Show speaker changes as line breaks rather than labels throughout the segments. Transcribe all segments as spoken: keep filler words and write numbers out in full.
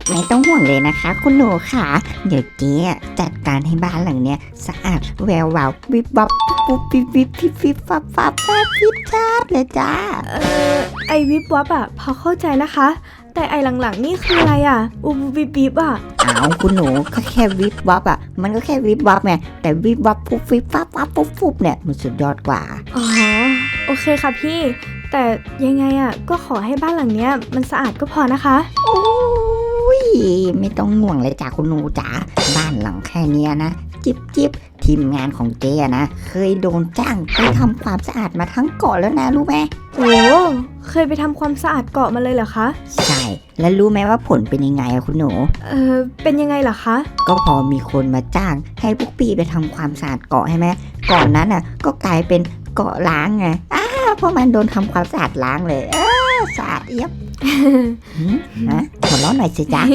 ไม่ต้องห่วงเลยนะคะคุณหนูค่ะเดี๋ยวเจ๊จัดการให้บ้านหลังเนี้ยสะอาดแวววาววิบวับปุ๊บวิบวิบวิบวิบฟับฟับแป๊บวิบจ้าเลยจ้า
เออไอวิบวับอะพอเข้าใจนะคะ แต่ไอหลังๆนี่คืออะไรอะอุบวิบวิบอะ
เอาคุณหนูก็แค่วิบวับอ่ะมันก็แค่วิบวับไงแต่วิบวับปุ๊บวิบฟับฟับปุ๊บปุ๊บเนี่ยมันสุดยอดกว่า
อ๋อโอเคค่ะพี่แต่ยังไงอะก็ขอให้บ้านหลังเนี้ยมันสะอาดก็พอนะคะ
โอ้ยไม่ต้องห่วงเลยจ้าคุณหนูจ๋าบ้านหลังแค่เนี้ยนะจิบจิบทีมงานของเจ๊นะเคยโดนจ้างไปทำความสะอาดมาทั้งเกาะแล้วนะรู้ไหม
โอ้เคยไปทำความสะอาดเกาะมาเลยเหรอคะ
ใช่แล้วรู้ไหมว่าผลเป็นยังไงอะคุณหนู
เออเป็นยังไงเหรอคะ
ก็พอมีคนมาจ้างให้พวกพี่ไปทำความสะอาดเกาะใช่ไหมก่อนนั้นอ่ะก็กลายเป็นเกาะล้างไงอ้าเพราะมันโดนทำความสะอาดล้างเลยเออสะอาดเอียบฮะหัวเราะหน่อยสิจ๊ะ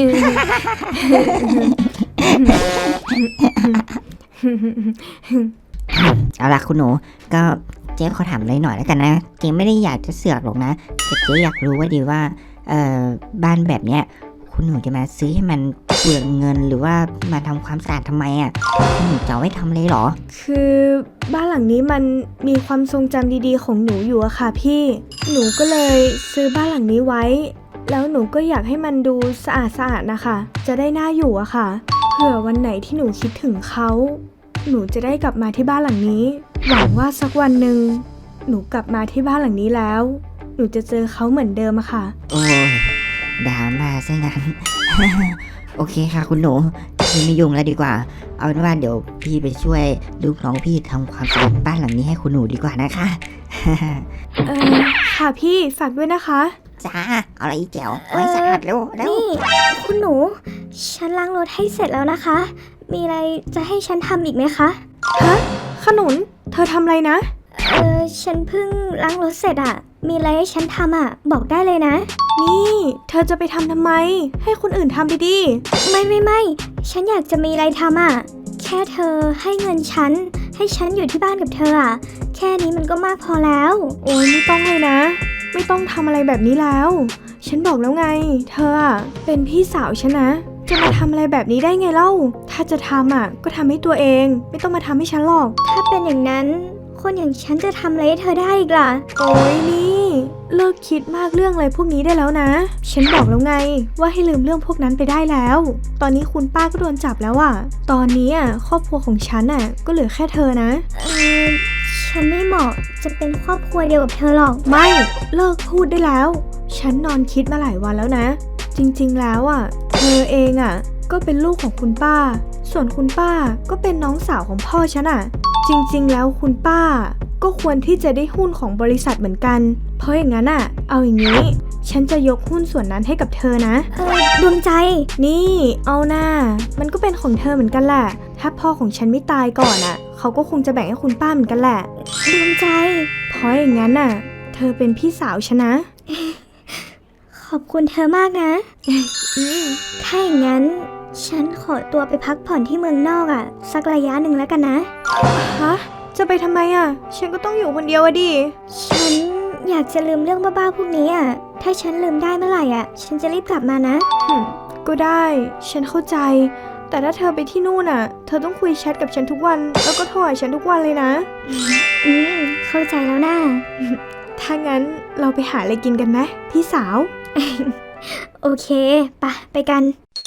เอาล่ะคุณหนูก็เจ๊ขอถามเลยหน่อยแล้วกันนะเจ๊ไม่ได้อยากจะเสือกหรอกนะแต่เจ๊อยากรู้ว่าดีว่าเอ่อบ้านแบบเนี้ยคุณหนูจะมาซื้อให้มันเปลืองเงินหรือว่ามาทำความสะอาดทำไมอ่ะคุณหนูจะเอาไว้ทำเลยเหรอ
คือบ้านหลังนี้มันมีความทรงจำดีๆของหนูอยู่อะค่ะพี่หนูก็เลยซื้อบ้านหลังนี้ไว้แล้วหนูก็อยากให้มันดูสะอาดสะอาดนะคะจะได้น่าอยู่อะค่ะเผื่อวันไหนที่หนูคิดถึงเขาหนูจะได้กลับมาที่บ้านหลังนี้หวังว่าสักวันหนึ่งหนูกลับมาที่บ้านหลังนี้แล้วหนูจะเจอเขาเหมือนเดิมอะค่ะ
โอ้ยดราม่าซะงั้น โอเคค่ะคุณหนูพี่ไม่ยุ่งแล้วดีกว่าเอาเป็นว่าเดี๋ยวพี่ไปช่วยลูกน้องพี่ทำความสะอาดบ้านหลังนี้ให้คุณหนูดีกว่านะคะ
เออค่ะพี่ฝากด้วยนะคะ
จ้าเอาอะไรอีแจ๋วไว้สะอาดเร็วเร็ว
นี่คุณหนูฉันล้างรถให้เสร็จแล้วนะคะมีอะไรจะให้ฉันทำอีกไหมคะ
ฮะขนุนเธอทำอะไรนะ
เออฉันเพิ่งล้างรถเสร็จอะมีอะไรให้ฉันทำอะบอกได้เลยนะ
นี่เธอจะไปทำทำไมให้คนอื่นทำไปดิ
ไม่ไม่ไม่ฉันอยากจะมีอะไรทำอะแค่เธอให้เงินฉันให้ฉันอยู่ที่บ้านกับเธออะแค่นี้มันก็มากพอแล้ว
โอ้ยไม่ต้องเลยนะไม่ต้องทำอะไรแบบนี้แล้วฉันบอกแล้วไงเธออะเป็นพี่สาวฉันนะจะมาทำอะไรแบบนี้ได้ไงเล่าถ้าจะทำอ่ะก็ทำให้ตัวเองไม่ต้องมาทำให้ฉันหรอก
ถ้าเป็นอย่างนั้นคนอย่างฉันจะทำอะไรให้เธอได้อีกล่ะ
โอ้ยนี่เลิกคิดมากเรื่องอะไรพวกนี้ได้แล้วนะฉันบอกแล้วไงว่าให้ลืมเรื่องพวกนั้นไปได้แล้วตอนนี้คุณป้าก็โดนจับแล้วอ่ะตอนนี้อ่ะครอบครัวของฉันอ่ะก็เหลือแค่เธอนะ
เออฉันไม่เหมาะจะเป็นครอบครัวเดียวกับเธอหรอก
ไม่เลิกพูดได้แล้วฉันนอนคิดมาหลายวันแล้วนะจริงๆแล้วอ่ะเธอเองอ่ะก็เป็นลูกของคุณป้าส่วนคุณป้าก็เป็นน้องสาวของพ่อฉันอ่ะจริงๆแล้วคุณป้าก็ควรที่จะได้หุ้นของบริษัทเหมือนกันเพราะอย่างนั้นอ่ะเอาอย่างนี้ฉันจะยกหุ้นส่วนนั้นให้กับเธอนะ
เออดวงใจ
นี่เอาหน้ามันก็เป็นของเธอเหมือนกันแหละถ้าพ่อของฉันไม่ตายก่อนอ่ะเขาก็คงจะแบ่งให้คุณป้าเหมือนกันแหละ
ดวงใจ
เพราะอย่างนั้นน่ะเธอเป็นพี่สาวฉันนะ
ขอบคุณเธอมากนะถ้าอย่างนั้นฉันขอตัวไปพักผ่อนที่เมืองนอกอ่ะสักระยะหนึ่งแล้วกันนะ
ฮะจะไปทำไมอ่ะฉันก็ต้องอยู่คนเดียวอะดิ
ฉันอยากจะลืมเรื่องบ้าๆพวกนี้อ่ะถ้าฉันลืมได้เมื่อไหร่อ่ะฉันจะรีบกลับมานะ
ก็ได้ฉันเข้าใจแต่ถ้าเธอไปที่นู่นอ่ะเธอต้องคุยแชทกับฉันทุกวันแล้วก็โทรหาฉันทุกวันเลยนะ
อืมเข้าใจแล้วนะ
ถ้างั้นเราไปหาอะไรกินกันไหมพี่สาว
โอเคไปไปกัน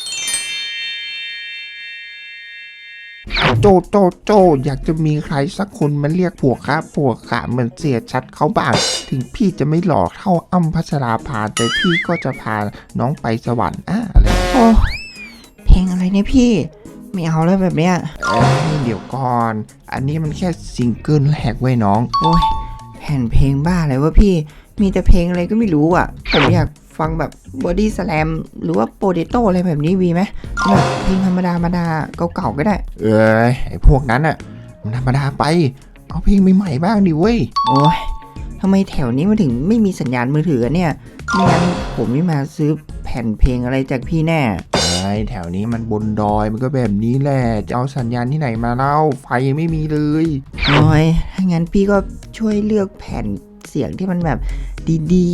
โจโจโจอยากจะมีใครสักคนมันเรียกผัวข้าผัวขาเหมือนเสียชัดเขาบ้างถึงพี่จะไม่หล่อเท่าอ้ำพัชราภาแต่พี่ก็จะพาน้องไปสวรรค์อ่ะอะไร
โอ้เพลงอะไรเนี่ยพี่ไม่เอาแล้วแบบเนี้ย
เอ้ยเดี๋ยวก่อนอันนี้มันแค่ซิงเกิลแรกไว้น้อง
โอ้ยแผ่นเพลงบ้าอะไรวะพี่มีแต่เพลงอะไรก็ไม่รู้อ่ะผมอยากฟังแบบบอดี้สแลมหรือว่าโปเตโต้อะไรแบบนี้มีไหมแบบเพลงธรรมดาธรรมดาเก่าๆก็ได้
เอ้ยไอพวกนั้นอ่ะมันธรรมดาไปเอาเพลงใหม่ๆบ้างดิเว้ย
โอ้ยทำไมแถวนี้มันถึงไม่มีสัญญาณมือถือเนี่ยไม่งั้นผมไม่มาซื้อแผ่นเพลงอะไรจากพี่แน่
ไอ้แถวนี้มันบนดอยมันก็แบบนี้แหละจะเอาสัญญาณที่ไหนมาเล่าไฟยังไม่มีเลย
โอ้ยถ้างั้นพี่ก็ช่วยเลือกแผ่นเสียงที่มันแบบดีๆ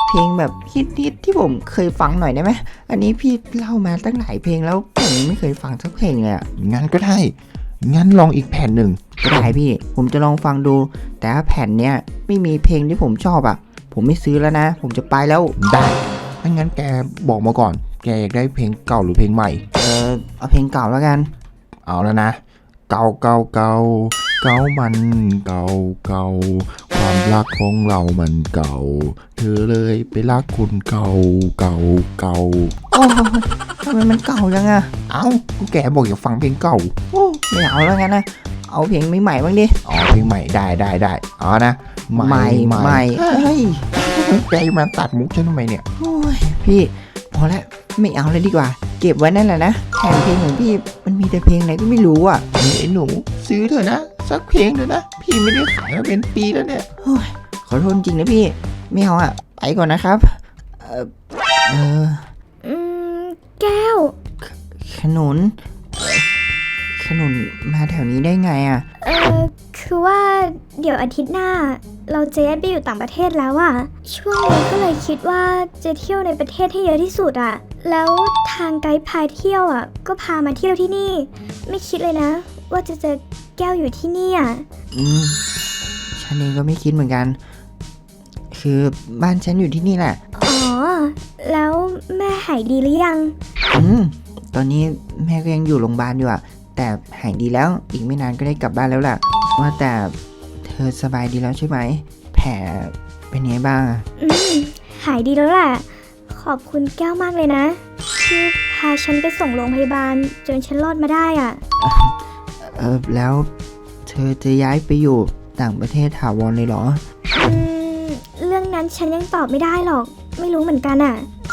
เพลงแบบฮิตๆที่ผมเคยฟังหน่อยได้ไหมอันนี้พี่เล่ามาตั้งหลายเพลงแล้วผมยังไม่เคยฟังสักเพลงเลยอะ
งั้นก็ได้ งั้นลองอีกแผ่นหนึ่ง
ก็ได้พี่ ผมจะลองฟังดู แต่ถ้าแผ่นเนี้ยไม่มีเพลงที่ผมชอบอะผมไม่ซื้อแล้วนะ ผมจะไปแล้ว
ได้ถ้างั้นแกบอกมาก่อน แกอยากได้เพลงเก่าหรือเพลงใหม่
เออเอาเพลงเก่าแล้วกัน
เอาแล้วนะ เก่าเก่าเก่าเก่ามันเก่าเก่าความรักของเรามันเก่า เธอเลยไปรักคนเก่าเก่าเก่า
โอ้ยทำไมมันเก่าจังอะ
เอ้าก็แกบอกอยากฟังเพลงเก่า
โอ้ไม่เอาแล้วกันนะ เอาเพลงใหม่ๆบ้างดิ
อ๋อเพลงใหม่ได้ได้ได้เอานะ
ใหม่ใหม่เฮ้ย
แกมาตัดมุกฉันทำไมเนี่ย
โอ้ยพี่พอแล้วไม่เอาเลยดีกว่า เก็บไว้นั่นแหละนะแผ่นเพลงของพี่มันมีแต่เพลงอะไรก็ไม่รู้อ่ะ
นี่ไอ้หนูซื้อเถอะนะ สักเพลงเถอะนะ พี่ไม่ได้ขายมาเป็นปีแล้วเนี่ย
โอ้ยขอโทษจริงนะพี่ไม่เอาอ่ะไปก่อนนะครับ เออเออ
อืม แก้ว
ขนุนเอ่อขนุนมาแถวนี้ได้ไงอ่ะ
เออคือว่าเดี๋ยวอาทิตย์หน้า เราจะย้ายไปอยู่ต่างประเทศแล้วอะช่วงนี้ก็เลยคิดว่าจะเที่ยวในประเทศให้เยอะที่สุดอะแล้วทางไกด์พาเที่ยวอะก็พามาเที่ยวที่นี่ ไม่คิดเลยนะ ว่าจะเจอแก้วอยู่ที่นี่อะ
อืมฉันเองก็ไม่คิดเหมือนกัน คือบ้านฉันอยู่ที่นี่แหละ
อ๋อ แล้วแม่หายดีหรือยัง
อืมตอนนี้แม่ก็ยังอยู่โรงพยาบาลอยู่อะแต่หายดีแล้วอีกไม่นานก็ได้กลับบ้านแล้วล่ะ ว่าแต่เธอสบายดีแล้วใช่ไหมแผลเป็นไงบ้างอะ
อืม หายดีแล้วแหละ ขอบคุณแก้วมากเลยนะ ที่พาฉันไปส่งโรงพยาบาลจนฉันรอดมาได้อะ
เออแล้วเธอจะย้ายไปอยู่ต่างประเทศถาวรเลยเหรอ
อืม เรื่องนั้นฉันยังตอบไม่ได้หรอก ไม่รู้เหมือนกันอะ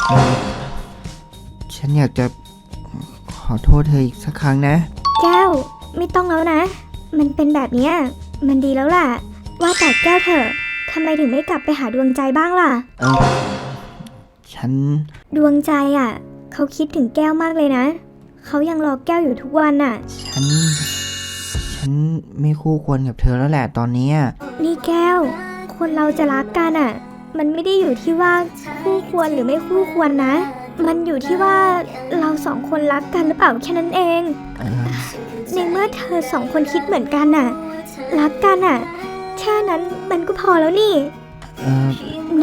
ฉันอยากจะขอโทษเธออีกสักครั้งนะ
แก้วไม่ต้องแล้วนะ มันเป็นแบบเนี้ยมันดีแล้วล่ะ ว่าแต่แก้วเถอะทำไมถึงไม่กลับไปหาดวงใจบ้างล่ะ
เออฉัน
ดวงใจอ่ะ เขาคิดถึงแก้วมากเลยนะ เขายังรอแก้วอยู่ทุกวันอ่ะ
ฉัน ฉันไม่คู่ควรกับเธอแล้วแหละตอนนี้อะ
นี่แก้ว คนเราจะรักกันอ่ะ มันไม่ได้อยู่ที่ว่าคู่ควรหรือไม่คู่ควรนะ มันอยู่ที่ว่าเราสองคนรักกันหรือเปล่าแค่นั้นเอง
เออ
ในเมื่อเธอสองคนคิดเหมือนกันน่ะ รักกันน่ะ แค่นั้นมันก็พอแล้วนี่
เออน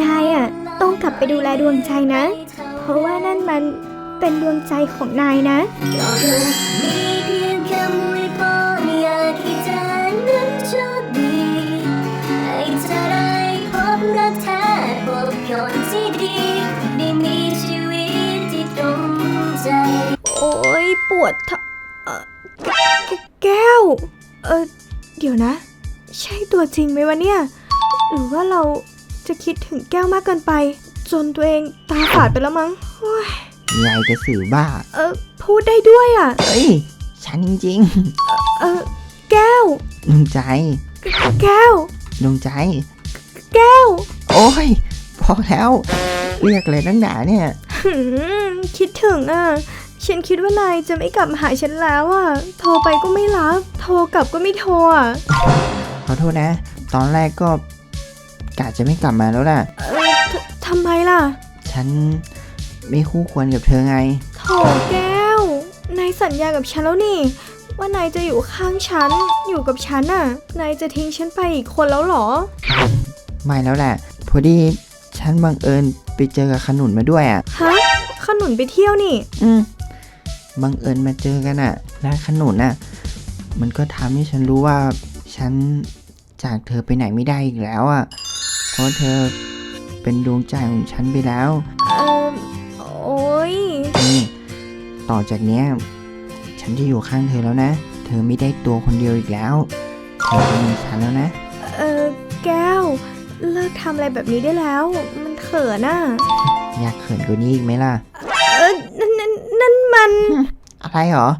ายอ่ะต้องกลับไปดูแลดวงใจนะ เพราะว่านั่นมันเป็นดวงใจของนายนะ
มีเพียงคำอวยพรอยากให้เธอนั้นโชคดีให้เธอได้พบรักแท้พบคนที่ดีได้มีชีวิตที่ตรงใจ
โอ้ยปวดท้องเอ่อแกแก้ว เออเดี๋ยวนะ ใช่ตัวจริงไหมวะเนี่ย หรือว่าเราจะคิดถึงแก้วมากเกินไป จนตัวเองตาฝาดไปแล้วมั้งโอ้ย
ยายกระสือบ้า
เออพูดได้ด้วยอ่ะ
เอ้ย ฉันจริง
เออแก้ว
ๆดวงใจ
แก้ว
ดวงใจ
แก้ว
โอ้ย พอแล้ว เรียกเลยตั้งหนาเนี่ย
หืมคิดถึงอ่ะ ฉันคิดว่านายจะไม่กลับมาหาฉันแล้วอ่ะ โทรไปก็ไม่รับ โทรกลับก็ไม่โทรอ่ะ
ขอโทษนะ ตอนแรกก็กะจะไม่กลับมาแล้วล่ะ
เออททำไมล่ะ
ฉันไม่คู่ควรกับเธอไง
โถแก้ว นายสัญญากับฉันแล้วนี่ ว่านายจะอยู่ข้างฉัน อยู่กับฉันอ่ะ นายจะทิ้งฉันไปอีกคนแล้วเหรอ
ไม่แล้วแหละ พอดีฉันบังเอิญไปเจอกับขนุนมาด้วยอ่ะ
ฮะ ขนุนไปเที่ยวนี่
อืมบังเอิญมาเจอกันอ่ะแล้วขนุนอ่ะ มันก็ทำให้ฉันรู้ว่าฉันจากเธอไปไหนไม่ได้อีกแล้วอ่ะ เพราะเธอเป็นดวงใจของฉันไปแล้ว
เออโอ้ย
นี่ ต่อจากเนี้ย ฉันจะอยู่ข้างเธอแล้วนะ เธอไม่ได้ตัวคนเดียวอีกแล้ว เธอจะมีฉันแล้วนะ
เออแก้ว เลิกทำอะไรแบบนี้ได้แล้ว มันเขินอ่ะ
อยากเขินกว่านี้อีกไหมล่ะ
เออนั่นนั่นนั่นมัน
อะไรหรอ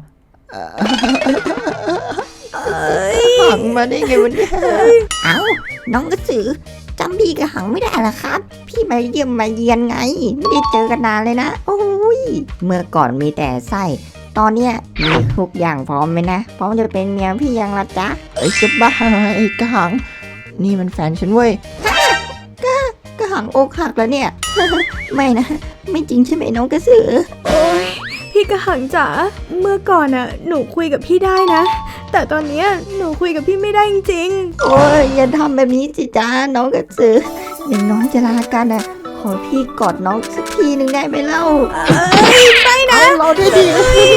เอ้ย
หังมาได้ไงวันนี้
เอ้า น้องกระสือจำพี่กระหังไม่ได้เหรอครับ พี่มาเยี่ยมมาเยียนไง ไม่ได้เจอกันนานเลยนะ โอ้ย เมื่อก่อนมีแต่ไส้ ตอนเนี้ยมีทุกอย่างพร้อมไหมนะ พร้อมจะเป็นเมียพี่ยังละจ๊ะ
เอ้ยจะบ้าไอ้กระหัง นี่มันแฟนฉันเว้ย
กระหัหังอกหักแล้วเนี่ย ไม่นะ ไม่จริงใช่ไหมน้องกระสือ
โอ๊ยพี่กระหังจ๋าเมื่อก่อนอ่ะหนูคุยกับพี่ได้นะ แต่ตอนเนี้ยหนูคุยกับพี่ไม่ได้จริง
โอ้ยอย่าทำแบบนี้สิจ้าน้องกระสืออย่างน้อยจะลากันอ่ะ ขอพี่กอดน้องสักทีหนึ่งได้ไหมเล่า
ๆเอ้ยไม่นะ
เอาเราได้ดี